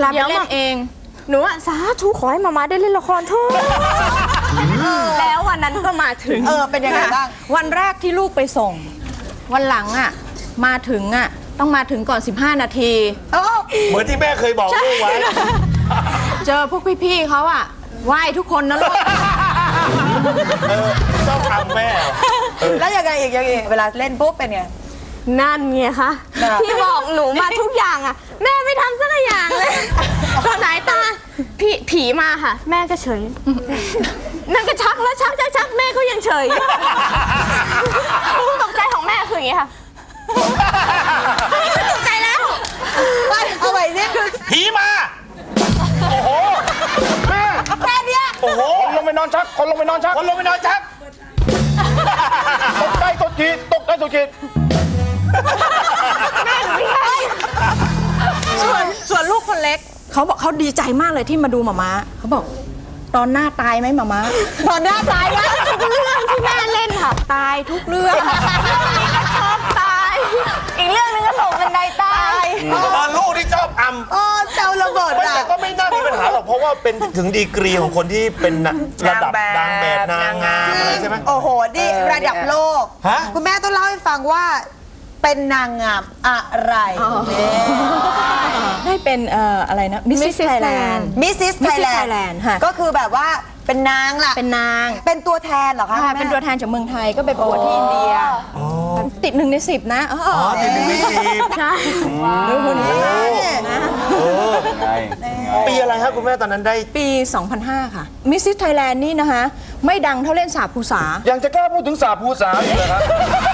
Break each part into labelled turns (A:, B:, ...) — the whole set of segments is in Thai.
A: ไปเล่นเอง
B: หนูอะสาธุขอให้มาได้เล่นละครเถอะแล้ววันนั้นก็มาถึง
C: เป็นยังไงบ้าง
A: วันแรกที่ลูกไปส่งวันหลังอะมาถึงอะต้องมาถึงก่อน15 นาที
D: เหมือนที่แม่เคยบอกลูกไว้
A: เจอพวกพี่ๆเขาอะไหว้ทุกคนนะลูก
D: ต้องทำแม่
C: แล้วยังไงอีกเวลาเล่นปุ๊บเป็นไง
B: นั่นไงคะที่บอกหนูมาทุกอย่างอะแม่ไม่ทำสักอย่างเลยตอนไหนตาผีมาค่ะแม่ก็เฉยนั่นก็ชักแล้วชักแม่ก็ยังเฉยตกใจของแม่คืออย่างนี้ค่ะตกใจแล้ว
C: ไปเอาไปสิ
D: ผีมาโอ้โหแม่
C: แค่เนี้ย
D: โอ้โหคนลงไปนอนชักคนลงไปนอนชักตกใจสุดขีด
A: แม่หนูไม่ใช่ส่วนลูกคนเล็กเขาบอกเขาดีใจมากเลยที่มาดูหม่าม้าเขาบอกตอนหน้าตายไหมหม่าม้า
C: ตอนหน้าตายนะ
B: ทุกเรื่องที่แม่เล่นค่ะ
A: ตายทุกเรื่อง
B: ชอบตายอีกเรื่องนึงก็ตกบันไดตาย
D: ลูกที่ชอบ
C: เจ้าระเบิด
D: แต่ก็ไม่น่ามีปัญหาหรอกเพราะว่าเป็นถึงดีกรีของคนที่เป็นระดับนางแบบนางงามใช่ไหม
C: โอ้โหนี่ระดับโลกคุณแม่ต้องเล่าให้ฟังว่าเป็นนางงามอะไร
A: ได้เป็นอะไรนะมิสซิสไทยแลนด์
C: ค่ะก็คือแบบว่าเป็นนางล่ะเป็นตัวแทนเหรอคะ
A: เป็นตัวแทนจากเมืองไทยก็ไปประกวดที่อินเดียติด1 ใน 10นะ
D: ติด1 ใน 10
A: ใช่ดูหุ่นนะ
D: ปีอะไรครับคุณแม่ตอนนั้นได้
A: ปี 2005 ค่ะมิสซิสไทยแลนด์นี่นะคะไม่ดังเท่าเล่นสาภูษา
D: ยังจะกล้าพูดถึงสาภูษาอยู่เลยครับ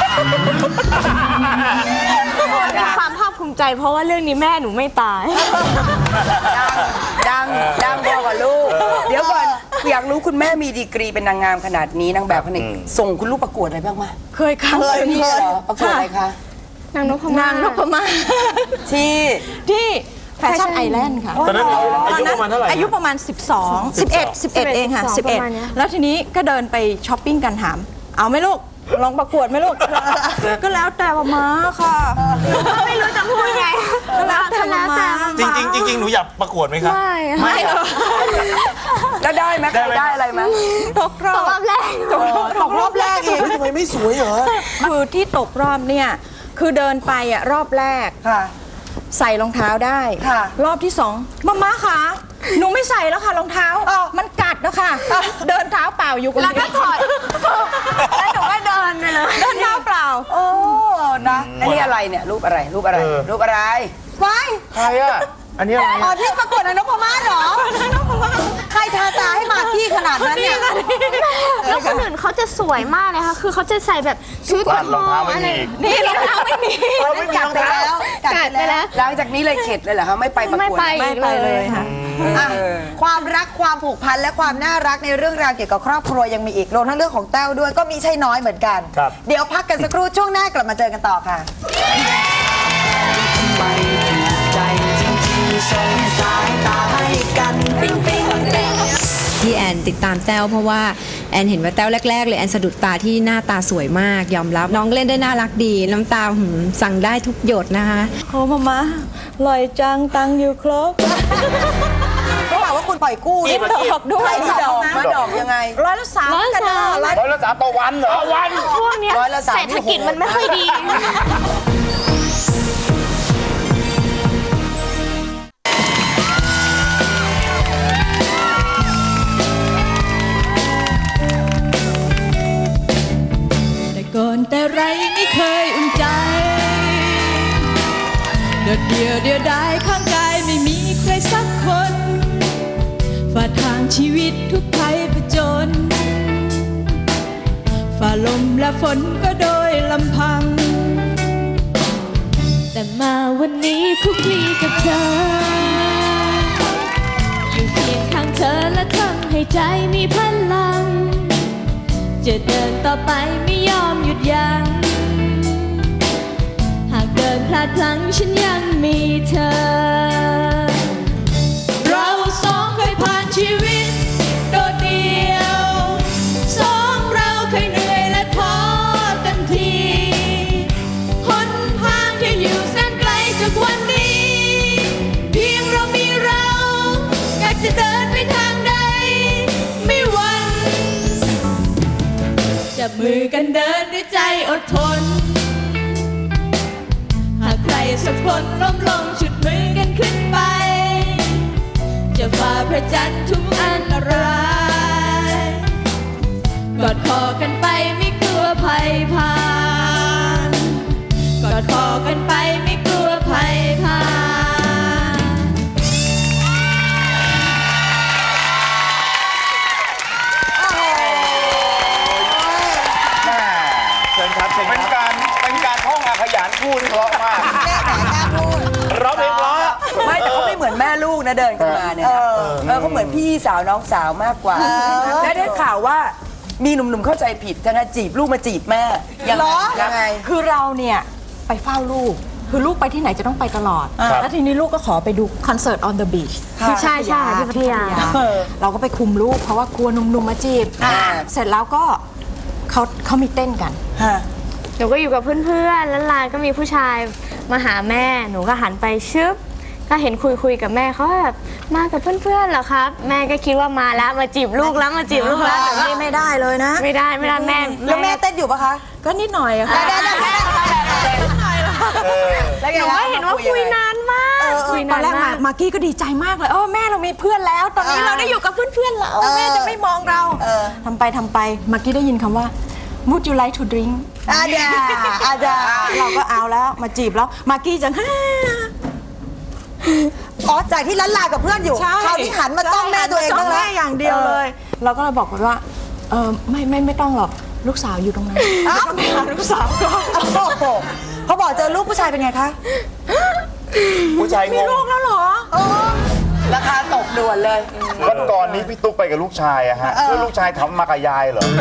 B: มีความภาคภูมิใจเพราะว่าเรื่องนี้แม่หนูไม่ตาย
C: ดังพอกับลูกเดี๋ยวก่อนอยากรู้คุณแม่มีดีกรีเป็นนางงามขนาดนี้นางแบบขนาดส่งคุณลูกประกวดอะไรบ้างไหม
A: เคยค่ะ
C: นี่เหรอประกวดอะไรคะ
B: นางนพมาศ
A: ที่แฟชั่นไอแลนด์ค่ะ
D: ตอนนั้นอายุประมาณเท่าไหร่
A: อายุประมาณ11 เองค่ะ11แล้วทีนี้ก็เดินไปช้อปปิ้งกันถามเอาไหมลูกลองประกวดไหมลูกก็แล้วแต่มาค่ะ
B: ไม่รู้จะพูดไง
A: ก็แล้วแต่มา
D: จริงหนูอยากประกวดไหมครับ
A: ไม่
C: แล้วได้ไหมได้อะไรไหม
A: ตกรอบ
B: แรก
C: อีก
D: ทำไมไม่สวยเหรอ
A: คือที่ตกรอบเนี่ยคือเดินไปรอบแรกใส่รองเท้าได้รอบที่2มาค่ะหนูไม่ใส่แล้วค่ะรองเท้ามันกัดแล้วค่ะเดินเท้าเปล่าอยู่คนเดียว
B: แล้วก็ถอดแล้วหนูก็เดินไปเลย
A: เดินเท้าเปล่า
C: โอ้นะอันนี้อะไรเนี่ยรูปอะไรไว้
D: ใครอ่ะอันนี้อะไร
C: ที่ประกวดนพมาศเหรอใครทาตาให้มากกี้ขนาดนั้นเนี่ย
B: แล้วคนอื่นเขาจะสวยมากเลยค่ะคือเขาจะใใส่แบบชุด
D: รองเท้าไม่มี
A: นี่รองเท้าไม่มี
C: กัดไปแล้วหลังจากนี้เลยเข็ดเลยเหรอคะไม่ไปประกวด
A: ไม่ไปเลยค่ะ
C: ความรักความผูกพันและความน่ารักในเรื่องราวเกี่ยวกับครอบครัวยังมีอีกรวมทั้งเรื่องของแต้วด้วยก็มีใช่น้อยเหมือนกันเดี๋ยวพักกันสักครู่ช่วงหน้ากลับมาเจอกันต่อค่ะ
E: ที่แอนติดตามแต้วเพราะว่าแอนเห็นว่าแต้วแรกๆเลยแอนสะดุดตาที่หน้าตาสวยมากยอมรับน้องเล่นได้น่ารักดีน้ำตาสั่งได้ทุกหยดนะคะ
A: โอ้มาลอยจังตังอยู่ครบ
C: ก็บอกว่าคุณปล่อยกู้
A: นี่ดอกด้วย
C: ดอกยังไง
A: 103กัน
D: 103ต่อวันเหรอวัน
B: ช่วงนี้เศรษฐกิจมันไม่ค่อยดี
F: ก่อนแต่ไรไม่เคยอุ่นใจเดียวดายข้างกายไม่มีใครสักคนฝ่าทางชีวิตทุกภัยผจญฝ่าลมและฝนก็โดยลำพังแต่มาวันนี้คุกคีกับเธออยู่เคียงข้างเธอและทำให้ใจมีพลังจะเดินต่อไปไม่ยอมหยุดยั้งหากเดินพลาดพลั้งฉันยังมีเธอเราสองเคยผ่านชีวิตโดดเดี่ยวสองเราเคยเหนื่อยและท้อเต็มทีหนทางที่อยู่แสนไกลจากวันนี้เพียงเรามีรักมือกันเดินด้วยใจอดทน หากใครสักคนล้มลงฉุดมือกันขึ้นไป จะฝ่าพระจันทร์ทุกอันตรายกอดคอกันไปไม่กลัวภัยผ่านกอดคอกันไปไม่กลัวภัยผ่าน
D: เชิญครับเชิญครับเป็นการท่องอาขยานพูดเพราะมาก
C: แม่แต่แค่พูด
D: ร้องเพลงเพราะ
G: ไม่แต่เขาไม่เหมือนแม่ลูกนะเดินกันมาเนี่ยเขาเหมือนพี่สาวน้องสาวมากกว่าและได้ข่าวว่ามีหนุ่มๆเข้าใจผิดจะนะจีบลูกมาจีบแม่ยังไง
A: คือเราเนี่ยไปเฝ้าลูก คือลูกไปที่ไหนจะต้องไปตลอด แล้วทีนี้ลูกก็ขอไปดูคอนเสิร์ต on the beach ที่
B: ใช่ใช่ที่พัทยา
A: เราก็ไปคุมลูกเพราะว่ากลัวหนุ่มๆมาจีบ เสร็จแล้วก็เขามีเต้นกัน
B: หนูก็อยู่กับเพื่อนๆแล้วลานก็มีผู้ชายมาหาแม่ หนูก็หันไปชึบก็เห็นคุยกับแม่เขาแบบมากับเพื่อนๆเหรอครับ แม่ก็คิดว่ามาแล้วมาจีบลูกแล้วมาจีบลูกแล้วแต่ว่า
A: ไม่ได้เลยนะ
B: ไม่ได้แม่
C: แล้วแม่เต้นอยู่ปะคะ
A: ก็นิดหน่อยอะค่ะ
B: หนูก็เห็นว่าคุยนานมากคุย
A: ตอ
B: นาน น
A: แรก
B: มาก
A: มากกี้ก็ดีใจมากเลยแม่เรามีเพื่อนแล้ว ตอนนี้เราได้อยู่กับเพื่อนๆแล้วแม่จะไม่มองเราทำไปมากกี้ได้ยินคำว่า Would you like to drink
C: อาจา
A: เราก็เอาแล้วมาจีบแล้วมากกี้จะ
C: อ๋อจากที่ล้านลากับเพื่อนอยู่คราวนี้หันมาจ้องแม่ตัวเอง
A: จ้
C: บ้า
A: อง ง
C: แล้
A: แม่
C: ว
A: อย่างเดียวเลย เราก็เลยบอกว่าไม่ต้องหรอกลูกสาวอยู่ตรงนั้นแล้วก็ไปหาลูกสาวก็
C: เขาบอกเจอลูกผู้ชายเป็นไงคะ
D: ผู้ชายง
A: มี
D: ง
A: ลูกแล้วเหรอ
G: ราคาตกด่วนเลย
H: วันก่อนนี้พี่ตุ๊กไปกับลูกชายอะฮะแล้วลูกชายทำมากับยายเหรอ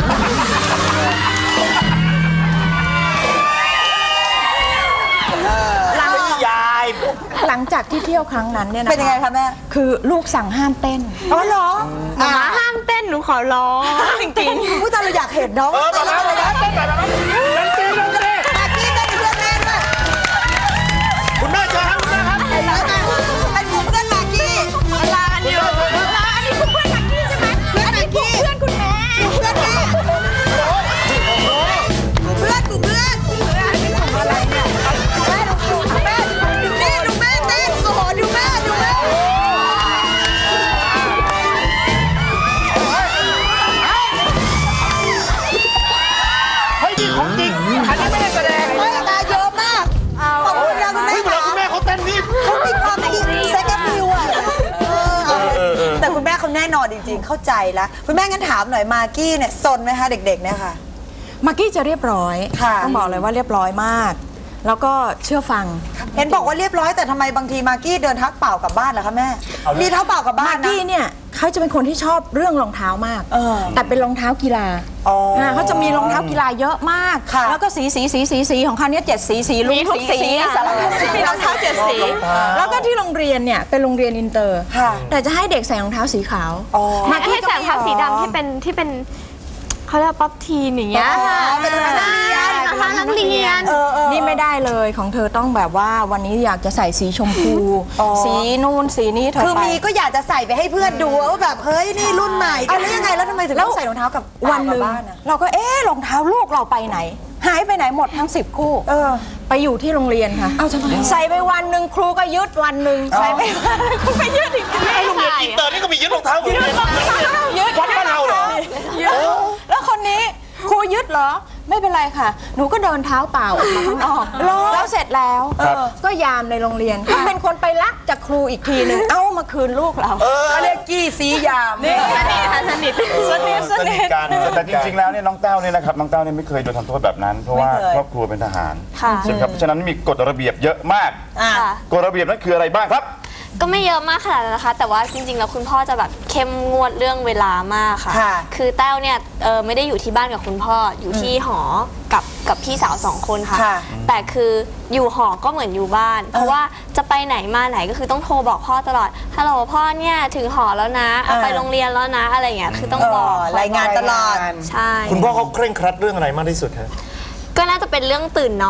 A: หลังจากที่เที่ยวครั้งนั้นเนี่ยนะ
C: เป็นยังไงคะแม่
A: คือลูกสั่งห้ามเต้น
C: อ๋อเหรอ
B: หมาห้ามเต้นหนูขอร้องจริง
C: ผู้ชายเราอยากเห็นน้อง
D: มาแล้วมาแล้วเต้นหน่อยมาแล้วดันตี
C: มากกี้เต้นเพื่อนแม่ด้วย
D: คุณแม่เจอครับคุณแม่ครับ
C: ไอ้หนูเพื่อนมากกี้
B: ๆลากันอยู่
A: อันนี้คือเพื่อนมักกี้ใช่ไหม
C: เพื่อนมากกี้
A: เพื่อนคุณแม่
C: เพื่อนแม่เพื่อนกูเพื่อนอะไรเนี่ยแม่ดูแม่นี่ดูแม่เต้นโอ้โหดูแม่
D: เฮ้ยนี่ของจริงอันนี้ไม่ได้แสดง
C: เฮ้ยตาเยอะมากขอบคุณนะคุณแม่
D: เฮ้ยเวลาคุณแม่เขาเต้นนี่
C: เขามีความอินเซ็กซ์ฟิวอ่ะแต่คุณแม่เขาแน่นอนจริงๆ เข้าใจแล้วคุณแม่งั้นถามหน่อยมากกี้เนี่ยซนไหมคะเด็กๆเนี่ยค่ะ
A: มากกี้จะเรียบร้อย
C: ค่ะ
A: ต้องบอกเลยว่าเรียบร้อยมาก แล้วก็เชื่อฟัง
C: เห็นบอกว่าเรียบร้อยแต่ทำไมบางทีมากกี้เดินเท้าเปล่ากลับบ้านเหรอคะแม่ มีเท้าเปล่ากลับบ้าม
A: าน ก
C: นะ
A: กี้เนี่ยเขาจะเป็นคนที่ชอบเรื่องรองเท้ามาก แต่เป็นรองเท้ากีฬา
C: อ๋อ
A: เขาจะมีรองเท้ากีฬาเยอะมาก
C: ค่ะ
A: แล้วก็สีของเขาเนี่ย7 สีลู
B: มีทุกสีอะ
A: สารพัดสีมีรองเท้า7 สี แล้วก็ที่โรงเรียนเนี่ยเป็นโรงเรียนอินเตอร์
C: ค่ะ
A: แต่จะให้เด็กใส่รองเท้าสีขาว
B: มาให้ใส่รองเท้าสีดำที่เป็นเขาเรียกว่าป๊อปทีนอย่างเงี้ยค่ะ
C: เป็นรองเท้านักเรียน
B: รองเท้านักเรียน
A: นี่ไม่ได้เลยของเธอต้องแบบว่าวันนี้อยากจะใส่สีชมพู สีนู่นสีนี้เธอ
C: คือ
A: ไป
C: มีก็อยากจะใส่ไปให้เพื่อนดูว่าแบบเฮ้ยนี่รุ่นใหม่แล้วยังไงแล้วทำไมถึงต้องใส่รองเท้ากับ
A: วันหนึ่ง
C: บ้านอะ
A: เราก็รองเท้าลูกเราไปไหน หายไปไหนหมดทั้ง10 คู่ไปอยู่ที่โรงเรียนค่ะใส่ไปวันหนึ่งครูก็ยึดวันหนึ่งใส่ไปวันหนึ่งครูก็ยึดอีก
D: โรงเรียนอินเตอร์นี่ก็มียึดรองเท้าเหมือนกันวัดบ้านเราเหรอ
A: แล้วคนนี้ครูยึดเหรอไม่เป็นไรค่ะ หนูก็เดินเท้าเปล่าออกมาข้างนอกแล้วเสร็จแล้วก็ยามในโรงเรียนก็เป็นคนไปลักจากครูอีกทีหนึ่งเอามาคืนลูกเรา
G: เขาเรียกกี้สียาม
B: สนิท
D: สนิทกัน
H: แต่จริงๆ แล้วเนี่ยน้องแต้วเนี่ยนะครับน้องแต้วเนี่ยไม่เคยโดนทำโทษแบบนั้น เพราะว่าครอบครัวเป็นทหาร
B: ค่ะ
H: ใช่ไหมครับเพราะฉะนั้นมีกฎระเบียบเยอะมาก กฎระเบียบนั้นคืออะไรบ้างครับ
I: ก็ไม่เยอะมากขนาดนั้นนะคะ แต่ว่าจริงๆ แล้วคุณพ่อจะแบบเข้มงวดเรื่องเวลามากค่ะ
C: ค่ะ
I: คือแต้วเนี่ยไม่ได้อยู่ที่บ้านกับคุณพ่ออยู่ที่หอกับพี่สาว2 คนค่ะ
C: ค่ะ
I: แต่คืออยู่หอก็เหมือนอยู่บ้าน เพราะว่าจะไปไหนมาไหนก็คือต้องโทรบอกพ่อตลอดฮัลโหลพ่อเนี่ยถึงหอแล้วนะเอาไปโรงเรียนแล้วนะอะไรอย่างเงี้ยคือต้องบอก
C: รายงานตลอด
I: ใช่
D: คุณพ่อเขาเคร่งครัดเรื่องอะไรมากที่สุดฮะ
I: ก็น่าจะเป็นเรื่องตื่นนอน